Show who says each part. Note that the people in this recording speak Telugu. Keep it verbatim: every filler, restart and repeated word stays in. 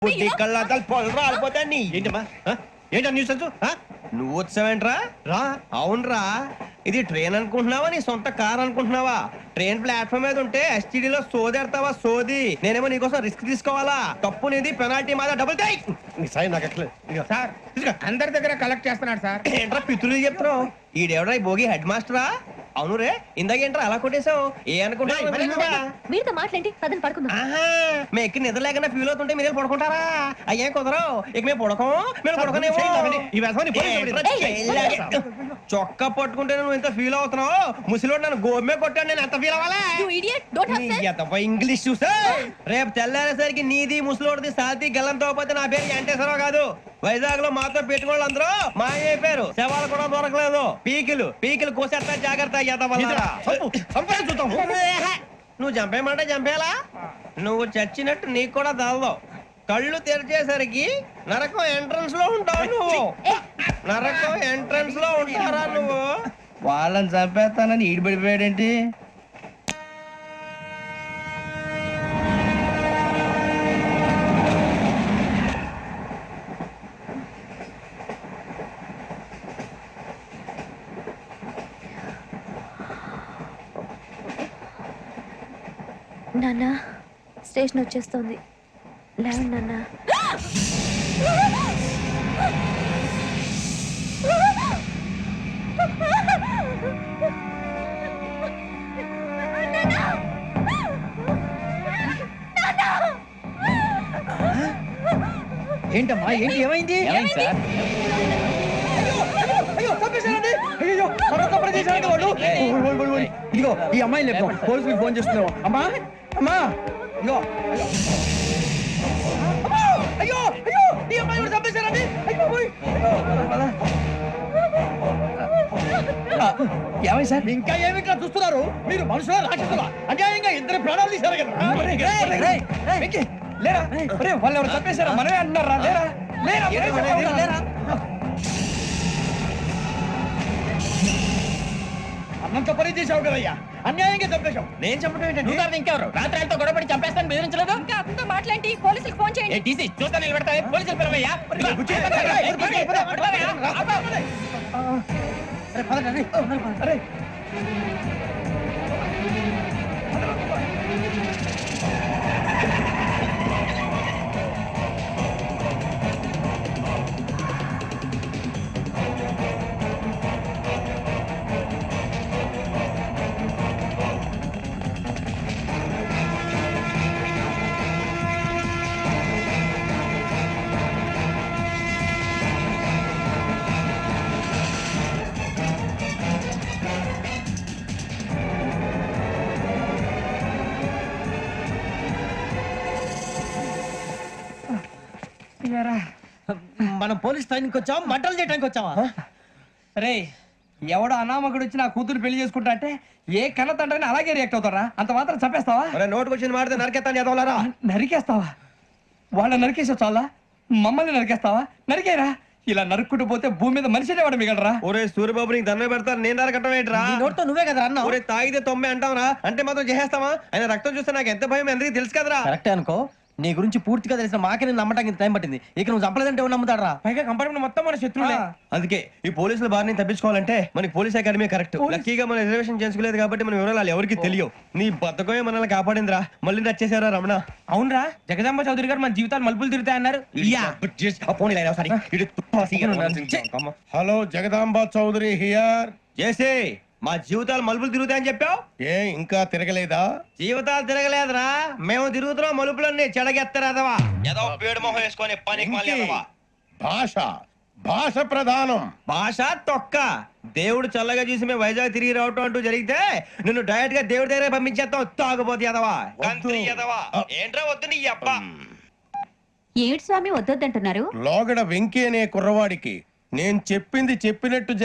Speaker 1: బుద్ధి కళ్ళాతలు పొలం రాలిపోతా నీ
Speaker 2: ఏంటమ్మా ఆ? ఏంటా న్యూస్
Speaker 1: నువ్వు వచ్చావేంట్రా
Speaker 2: రా
Speaker 1: అవునరా ఇది ట్రైన్ అనుకుంటున్నావా నీ సొంత కార్ అనుకుంటున్నావా ట్రైన్ ప్లాట్ఫామ్ మీద ఉంటే ఎస్టీడీలో సోదేడతావా సోది నేనేమో నీకోసం రిస్క్ తీసుకోవాలా తప్పు నీది పెనాల్టీ మాదా డబుల్ టై
Speaker 2: నీ సాయి నాకు ఎక్కలేదు ఇదిగో.
Speaker 3: సార్ అందరి దగ్గర కలెక్ట్ చేస్తున్నాడు సార్.
Speaker 1: ఏంట్రా పితులు చెప్తున్నావు ఈడెవడ్రా ఈ భోగి హెడ్ మాస్టరా అవును రే ఇందాక ఏంట్రా అలా కొట్టేశావు ఏ అనుకుంటా
Speaker 4: మీరుతో మాట్లాడి పదని పడుకుందాం.
Speaker 1: ఆహా మేము ఎక్కి నిద్ర లేకుండా ఫీల్ అవుతుంటే మీరు పడుకుంటారా అయ్యే కుదరవు ఇక మేము పడకం మేము పడకనేమో
Speaker 2: ఈ వ్యసనాన్ని పోలీసులు పట్టించారు.
Speaker 1: చొక్కా పట్టుకుంటే నువ్వు ఎంత ఫీల్ అవుతున్నావు ముసలివాడు నన్ను గోమే కొట్టాడు నేను ఎంత ఫీల్ అవ్వాలా
Speaker 4: You idiot, don't have sense.
Speaker 1: ఎంతపై ఇంగ్లీష్ చూసా రేపు తెల్లారేసరికి నీది ముసలోడిది సాతి గల్లంతో పోతే నా పేరు వెంకటేశ్వరరావు కాదు వైజాగ్ లో మాతో పెట్టుకోళ్ళు అందరూ మాయైపోయారు శవాలు కూడా దొరకలేదు పీకిలు పీకిలు కోసేస్తా జాగ్రత్త ఎదవల్లారా.
Speaker 2: చంపు, చంపని చూద్దాం.
Speaker 1: నువ్వు చంపేయమంటే చంపేలా నువ్వు చచ్చినట్టు నీకు కూడా తగదు కళ్ళు తెరిచేసరికి నరకం ఎంట్రన్స్ లో ఉంటావు నువ్వు నరకం ఎంట్రన్స్ లో ఉంటారా నువ్వు
Speaker 3: వాళ్ళని చంపేస్తానని ఈడిపడిపోయాడేంటి?
Speaker 4: నాన్న స్టేషన్ వచ్చేస్తుంది లేవండి నాన్న.
Speaker 3: ఏంటమ్మా ఏంటి ఏమైంది? ఏమైంది సార్?
Speaker 2: అయ్యో చంపేశారండి అయ్యో మరొక పని చేశారండి వాళ్ళు ఓయ్, ఓయ్, ఓయ్, ఓయ్. ఇదిగో ఈ అమ్మాయి లేదు పోలీసులకు ఫోన్ చేస్తున్నావు అమ్మా అమ్మా ఇదిగో అమ్మా! అయ్యో అయ్యో ఈ అమ్మాయి కూడా చంపేశారండి అయ్యో ఓయ్, అయ్యో. ఆ, ఏమై సార్ ఇంకా ఏమిట్లా చూస్తున్నారు మీరు మనుషుల రాక్షసులా అన్యాయంగా ఇద్దరు ప్రాణాలు తీశారు కదా వెంకీ, లేరా ఒరేయ్, వాళ్ళు ఎవరు చంపేశారా మనమే అంటున్నారా లేరా లేరా లేరా లేరా అన్నంత పని చేసావు కదయ్యా అన్యాయంగా చంపేశావు
Speaker 1: నేను చెప్పడం ఏంటంటే
Speaker 3: ఇంకెవరు రాత్రితో గొడవపడి చంపేస్తాను బెదిరించలేదు
Speaker 4: ఇంకా అతనితో మాట్లాడి పోలీసులకు ఫోన్ చేయండి.
Speaker 3: టీసీ చూస్తా నిలబెడతా పోలీసులు పిలవయ్యా
Speaker 2: అరే
Speaker 3: మనం పోలీస్ ట్రైనింగ్ వచ్చావా మంటలు చేయడానికి వచ్చావా రే ఎవడో అనామకుడు వచ్చి నా కూతురు పెళ్లి చేసుకుంటా అంటే ఏ కన్న తండ్రిని అలాగే రియాక్ట్ అవుతారా అంత మాత్రం చంపేస్తావా
Speaker 1: నోటుకు వచ్చింది మాడితే నరకెత్తాను చదవాలరా
Speaker 3: నరికేస్తావా వాళ్ళ నరికేసా చాలా మమ్మల్ని నరికేస్తావా నరికేరా ఇలా నరుక్కుంటూ పోతే భూమి మీద మనిషినే వాడు మిగలరా
Speaker 1: ఒరే సూర్యబాబు నీకు దండ పెడతాను నేను నరకటం ఏంట్రా
Speaker 3: నోటితో నువ్వే కదా అన్నా
Speaker 1: ఒరే తాగితే తొమ్మే అంటావురా అంటే మాత్రం చేసేస్తావా ఆయన రక్తం చూస్తే నాకు ఎంత భయం అందరికీ తెలుసు కదరా
Speaker 3: కరెక్టే అనుకో నీ గురించి పూర్తిగా తెలిసిన మాకే నేను నమ్మటానికి టైం పట్టింది ఇక నువ్వు చంపలేదంటే ఎవరు నమ్ముతాడరా పైగా కంపార్ట్మెంట్ మొత్తం మన శత్రువులే
Speaker 1: అందుకే ఈ పోలీసుల బారిని తప్పించుకోవాలంటే మనకి పోలీస్ అకాడమీ కరెక్ట్ లక్కీగా మనం రిజర్వేషన్ చేసుకోలేదు కాబట్టి మనం వివరాలు ఎవరికి తెలియవు నీ బతకమే మనల్ని కాపాడిందిరా మళ్ళీ నచ్చేసారా రమణ
Speaker 3: అవునరా జగదాంబ చౌదరి గారు మన జీవితాలు మలుపులు తిరుగుతాయన్నారు
Speaker 5: హలో జగదాంబ చౌదరి హియర్.
Speaker 1: చేసే మా జీవితాలు మలుపులు తిరుగుతాయని చెప్పావు
Speaker 5: ఏ ఇంకా తిరగలేదా?
Speaker 1: జీవితాలు తిరగలేదురా మేము తిరుగుతున్నాం మలుపులన్నీ చెడగెత్తరాదవా ఏదో పేడు మొహం వేసుకొని పని
Speaker 5: ఇంకే భాష భాష ప్రధానం.
Speaker 1: భాష తొక్క దేవుడు చల్లగా చూసి మేము వైజాగ్ తిరిగి రావటం అంటూ జరిగితే నిన్ను డైరెక్ట్ గా దేవుడి దగ్గర పంపించేస్తాం తాగుపోతే ఎదవా కంత్రి ఎదవా ఏంట్రా వద్దు నీ అబ్బా
Speaker 4: ఏడు స్వామి వద్దొద్దంటున్నారు.
Speaker 5: లోగడ వెంకీ అనే కుర్రవాడికి నేను చెప్పింది చెప్పినట్టు